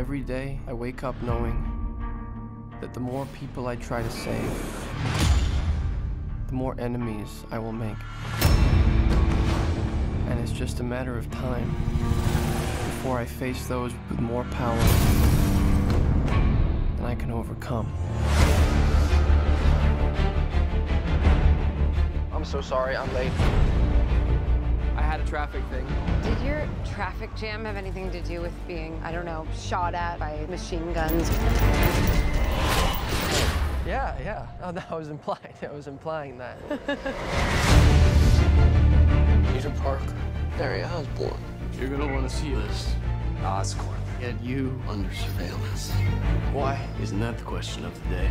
Every day, I wake up knowing that the more people I try to save, the more enemies I will make. And it's just a matter of time before I face those with more power than I can overcome. I'm so sorry, I'm late. I had a traffic thing. Did your traffic jam have anything to do with being, I don't know, shot at by machine guns? Yeah. Oh, no, I was implying that. Peter Parker, Harry Osborn. You're gonna want to see this. Oscorp. Get you Under surveillance. Why? Isn't that the question of the day?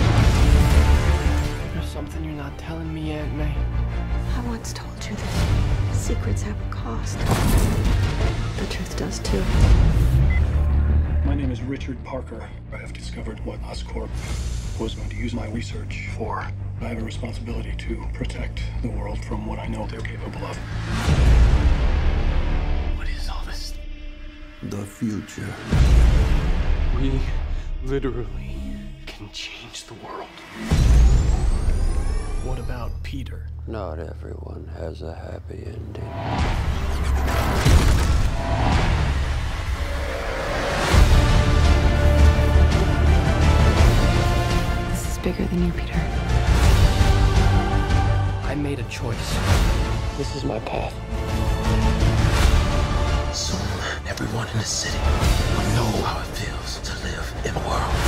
There's something you're not telling me, Aunt May. I once told you that secrets have a cost. The truth does too. My name is Richard Parker. I have discovered what Oscorp was going to use my research for. I have a responsibility to protect the world from what I know they're capable of. What is all this? The future. We literally can change the world. What about Peter? Not everyone has a happy ending. This is bigger than you, Peter. I made a choice. This is my path. Soon, everyone in the city will know how it feels to live in a world